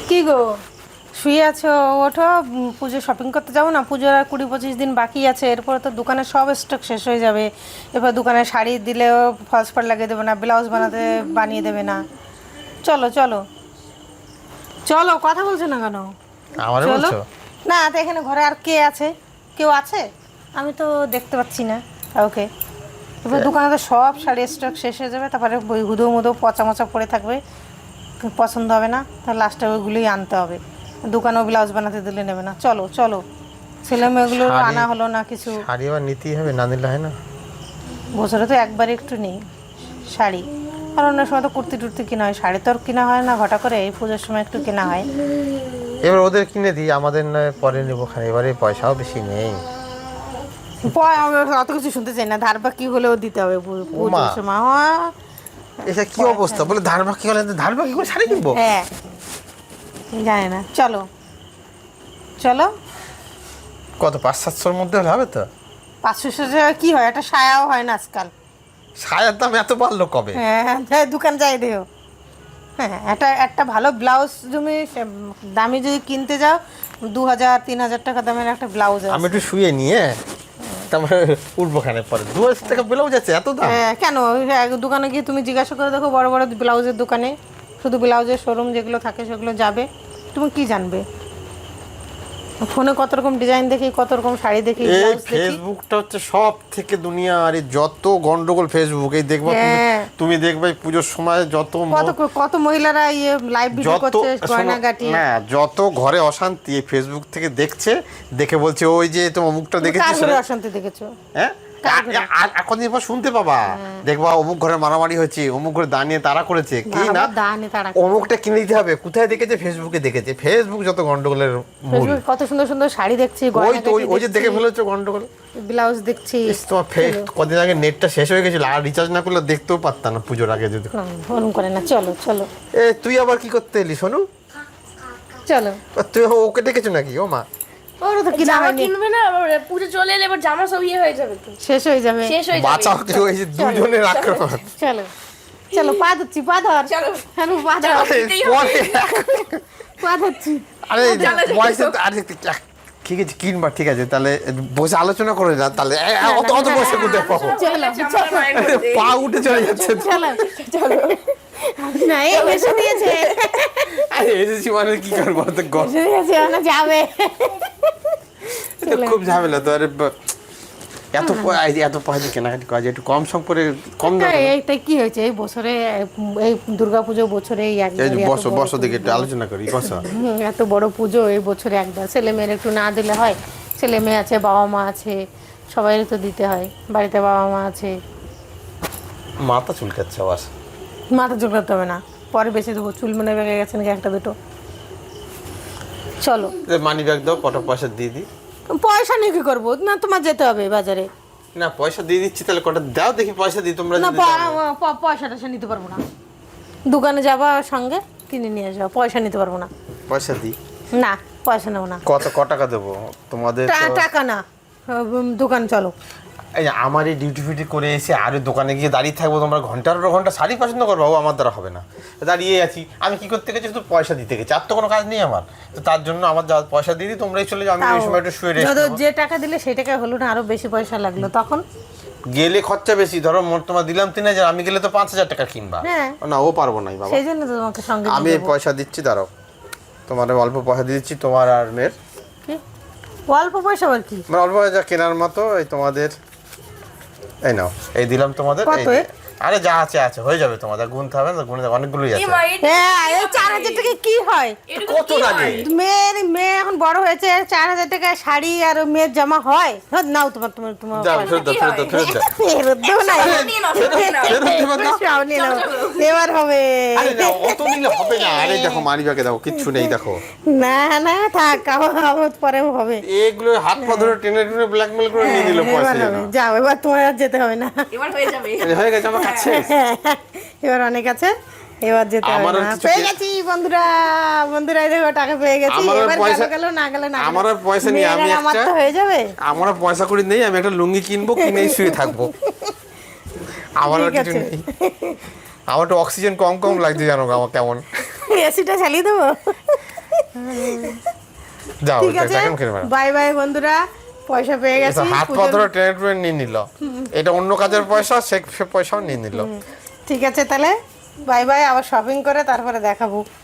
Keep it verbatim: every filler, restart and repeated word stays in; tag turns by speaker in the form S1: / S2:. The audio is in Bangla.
S1: কি গো, শুয়ে আছো? ওঠো, পুজো শপিং করতে যাবো না? পুজোর আর কুড়ি পঁচিশ দিন বাকি আছে, এরপরে তো দোকানের সব স্টক শেষ হয়ে যাবে। এরপর দোকানে শাড়ি দিলেও ফলস পাড় লাগিয়ে দেবে না, ব্লাউজ বানাতে বানিয়ে দেবে না। চলো চলো চলো, কথা বলছো না কেন?
S2: আমারে
S1: চলো
S2: বলছো?
S1: না, তো এখানে ঘরে আর কে আছে? কেউ আছে? আমি তো দেখতে পাচ্ছি না ওকে। এবার দোকানে তো সব শাড়ি স্টক শেষ হয়ে যাবে, তারপরে ওই হুদো মুদো পচা মচা পড়ে থাকবে, পছন্দ হবে না, তাহলে লাস্টে ওইগুলোই আনতে হবে। দোকানেও ব্লাউজ বানাতে দিলে নেবে না। চলো চলো, ছেলে মেয়েগুলো
S2: শাড়ি-
S1: আনা হলো না কিছু।
S2: শাড়ি আবার নিতেই হবে, না নিলে হয় না।
S1: বছরে তো একবার একটু নেই শাড়ি, আর অন্য সময় তো কুর্তি টুর্তি কেনা হয়, শাড়ি তো আর কেনা হয় না ঘটা করে, এই পুজোর সময় একটু কেনা হয়।
S2: এবার ওদের কিনে দিই, আমাদের নয় পরে নেবো খানে, এবারে পয়সাও বেশি নেই।
S1: পয় আমি অত কিছু শুনতে চাই না, ধার বাকি হলেও দিতে হবে পু- পুজোর সময়। হ্যাঁ
S2: এটা কি অবস্থা বলে, ধার বাকি হলে ধার বাকি করে শাড়ি কিনবো?
S1: হ্যাঁ, জানি না। চলো চলো,
S2: কত, পাঁচ সাতশোর মধ্যে হলে হবে তো?
S1: পাঁচশো টাকা কি হয়, একটা সায়াও হয় না আজকাল।
S2: সায়ার দাম এত বাড়লো কবে?
S1: হ্যাঁ যাই দোকান যাই দেও। হ্যাঁ, একটা একটা ভালো ব্লাউজ তুমি সে- দামি যদি কিনতে যাও, দু হাজার তিন হাজার টাকা দামের একটা ব্লাউজ
S2: আমি
S1: আছে।
S2: একটু শুয়ে নিয়ে তারপরে উঠবো খানে, পরে দু হাজার টাকা ব্লাউজ আছে, এত দাম?
S1: হ্যাঁ কেন, ওই এক দোকানে গিয়ে তুমি জিজ্ঞাসা করে দেখো, বড় বড় ব্লাউজের দোকানে, শুধু ব্লাউজের শোরুম যেগুলো থাকে সেগুলো যাবে, তুমি কি জানবে? ফোনে কত রকম ডিজাইন দেখি, কত রকম শাড়ি দেখি,
S2: এই
S1: ব্লাউজ দেখি।
S2: ফেসবুকটা হচ্ছে সব থেকে দুনিয়া, আর এই যত গন্ডগোল ফেসবুক, এই দেখবা তুমি,
S1: হ্যাঁ।
S2: তুমি দেখবে এই পুজোর সময় যত ম-
S1: কত কত মহিলারা ইয়ে লাইভ ভিডিও
S2: যত
S1: করছে,
S2: শোনো,
S1: গয়নাগাটি।
S2: না যত ঘরে অশান্তি এই ফেসবুক থেকে দেখছে, দেখে বলছে ওই যে তোমার মুখটা
S1: তুমি কার
S2: দেখেছিস,
S1: ঘরে অশান্তি দেখেছো?
S2: হ্যাঁ
S1: কার ঘরে?
S2: আর- আর এখন এরপর শুনতে পাবা, দেখবা অমুক ঘরে মারামারি হয়েছে, অমুক ঘরে দাঁড়িয়ে তারা করেছে কি না,
S1: বাবা, দানে তারা
S2: অমুকটা কিনে দিতে হবে, কোথায় দেখেছে? ফেসবুকে দেখেছে। ফেসবুক যত গন্ডগোলের মূল।
S1: ফেসবুকে কত সুন্দর সুন্দর শাড়ি দেখছি,
S2: ওই তো ওই- ওই যে
S1: গয়নাগাটি
S2: দেখে
S1: দেখছি,
S2: ফেলেছো গন্ডগোল।
S1: ব্লাউজ দেখছি।
S2: ইস, তোমার ফেস কদিন আগে নেটটা শেষ হয়ে গেছিল, আর রিচার্জ না করলে দেখতেও পারতাম না পুজোর আগে যদি।
S1: না, ওরম করে না, চলো চলো
S2: এ তুই আবার কি করতে এলি শোনু?
S1: চলো।
S2: তুই ওকে ডেকেছো নাকি? ও মা,
S1: ওর তো কিনা
S3: জামা
S1: হয়নি,
S3: কিনবে না, আবার পুজো চলে এলে এবার জামা সব ইয়ে হয়ে যাবে তো,
S1: শেষ হয়ে যাবে।
S3: শেষ হয়ে যাবে।
S2: বাঁচাও কেউ, এই যে দুজনের আক্রমণ।
S1: চলো চলো, পা ধরছি, পা ধর।
S3: চলো।
S1: হ্যাঁ পা ধর,
S2: আরে,
S3: দিতেই হবে।
S2: পরে,
S1: পা ধরছি।
S2: আরে
S3: চলো, চলো।
S2: পয়সা তো- আরে ঠিক আছে কিনবা, ঠিক আছে তাহলে বসে আলোচনা করে না তাহলে, এ, এ, অত অত বসে কোথায় পাবো?
S1: চলো
S3: জামাটা মায়ের মধ্যে।
S2: পা উঠে চলে যাচ্ছে তো।
S1: চলো চলো, না এই এসে দিয়েছে,
S2: আরে এসেছি মানে কি করবো, তো গ-
S1: এসে দিয়েছে, না যাবে।
S2: তো খুব ঝামেলা তো। আরে বা- এত প- এই যে এত পয়সা কেনাকাটি করা যায়, একটু কম সম করে, কম দাম।
S1: এই- এইটাই কি হয়েছে এই বছরে, এই দুর্গাপুজো বছরে এই
S2: এই
S1: একবার,
S2: যে
S1: এত
S2: বসো
S1: বড়
S2: বসো দেখে একটু
S1: পুজো।
S2: আলোচনা করি, বসো।
S1: হুম, এত বড় পুজো এই বছরে একবার, ছেলে মেয়ের একটু না দিলে হয়? ছেলে মেয়ে আছে, বাবা মা আছে, সবাই তো দিতে হয়, বাড়িতে বাবা মা আছে।
S2: মাথা চুলকাচ্ছে আবার।
S1: মাথা চুলকাতে হবে না, পরে বেশি দেবো, চুল মনে বেগে গেছে নাকি একটা দুটো। চলো,
S2: মানি ব্যাগ দাও, কত পয়সা দিয়ে দিই।
S1: পয়সা নিয়ে কি করবো? না তোমার যেতে হবে বাজারে।
S2: না পয়সা দিয়ে দিচ্ছি, তাহলে কটা দাও দেখি, পয়সা দিই তোমরা
S1: না
S2: যদি দাও।
S1: প- প- পয়সা টয়সা নিতে পারবো না, দোকানে যাবা সঙ্গে কিনে নিয়ে যাও, পয়সা নিতে পারবো না।
S2: পয়সা দিই,
S1: না পয়সা নেবো না।
S2: কত ক টাকা দেবো তোমাদের
S1: টা-
S2: তো?
S1: টাকা না, উম, দোকান চলো।
S2: এই যে আমার এই ডিউটি ফিউটি করে এসে আরে দোকানে গিয়ে দাঁড়িয়ে থাকবো, তোমরা ঘন্টার পর ঘন্টা শাড়ি পছন্দ করবো, ও আমার দ্বারা হবে না। দাঁড়িয়ে আছি, আমি কি করতে গেছি? শুধু পয়সা দিতে গেছি, আর তো কোনো কাজ নেই আমার। তো তার জন্য আমার যা পয়সা দিয়ে দিই, তোমরাই চলে যাও, আমি ওই
S1: তাও
S2: সময় একটু শুয়ে রেস্ট
S1: যত
S2: নেবো।
S1: যে টাকা দিলে সেই টাকা হলো না, আরো বেশি পয়সা লাগলো তখন।
S2: গেলে খরচা বেশি, ধরো মোট তোমার দিলাম তিন হাজার, আমি গেলে তো পাঁচ হাজার টাকা কিনবা।
S1: হ্যাঁ।
S2: না ও পারবো না বাবা।
S1: সেই জন্য তো তোমাকে সঙ্গে
S2: আমি
S1: নিয়ে
S2: এই
S1: যাবো।
S2: পয়সা দিচ্ছি, দাঁড়াও, তোমার অল্প পয়সা দিয়ে দিচ্ছি, তোমার আর মেয়ের।
S1: কি অল্প পয়সা আর কি?
S2: মানে অল্প যা কেনার মতো, এই তোমাদের, এই নাও, এই দিলাম তোমাদের।
S1: কত
S2: এই-
S1: এ?
S2: আরে যা আছে আছে, হয়ে যাবে তোমাদের, গুনতে হবে না, গুনে যাবে, অনেকগুলোই
S3: এ
S2: আছে।
S3: মা, এটা
S1: হ্যাঁ, এই চার হাজার টাকা কি হয়?
S3: এটুকু
S2: কত
S3: কি
S2: লাগে?
S3: হয়?
S1: মেয়ের মেয়ে এখন বড় হয়েছে, চার হাজার টাকা শাড়ি আর মেয়ের জামা হয়? হ্যাঁ, নাও তোমার তোমার তোমার
S2: দাও,
S1: পয়সা।
S2: ফেরত দাও, ফেরত দাও, ফেরত দাও।
S1: ফেরত দেবো না,
S3: একশো টাকা নিয়ে নাও, ফেরত নিয়ে নাও।
S2: ফেরত দেবে না?
S1: সব নিয়ে নাও।
S3: চলো, চলো।
S1: এবার হবে।
S2: আরে না, অত নিলে হবে না। আরে দেখো মানি ব্যাগে দেখো, কিচ্ছু নেই দেখো।
S1: না না থাক, আবার আবার পরে হবে।
S2: এগুলো হাত পা ধরে টেনে টেনে ব্ল্যাকমেল করে নিয়ে দিল পয়সা
S1: এবার
S2: যেন।
S1: হবে, যাও এবার তোমার আর যেতে হবে না।
S3: এবার হয়ে যাবে।
S2: এই হয়ে গেছে আমার কাছে।
S1: এবার অনেক আছে, এবার যেতে হবে
S2: আমার আর
S1: না।
S2: কিছু
S1: পেয়ে
S2: কে-
S1: গেছি বন্ধুরা, বন্ধুরা এই দেখো টাকা পেয়ে গেছি।
S2: আমার আর
S1: এবার
S2: পয়সা-
S1: গেল গেল, না গেলে না গেলো।
S2: আমার আর পয়সা নেই, আমি
S1: মেয়েরা আমার
S2: একটা-
S1: তো হয়ে যাবে।
S2: আমার আর পয়সা করি নেই, আমি একটা লুঙ্গি কিনবো, কিনেই শুয়ে থাকবো। আমার আর
S1: ঠিক
S2: কিছু
S1: আছে।
S2: নেই। আমার তো অক্সিজেন কম কম লাগছে জানো আমার কেমন।
S1: এসিটা চালিয়ে দেবো।
S2: যাও
S1: ঠিক
S2: এটা
S1: আছে
S2: এখন কিনে বেড়াও।
S1: বাই বাই বন্ধুরা, পয়সা পেয়ে গেছি।
S2: এটা হাত পা
S1: পুজোর-
S2: ধরে টেনে টুনে নিয়ে নিল, এটা অন্য কাজের পয়সা, সে সে পয়সাও নিয়ে নিল।
S1: ঠিক আছে তাহলে বাই বাই, আবার শপিং করে তারপরে দেখাবো।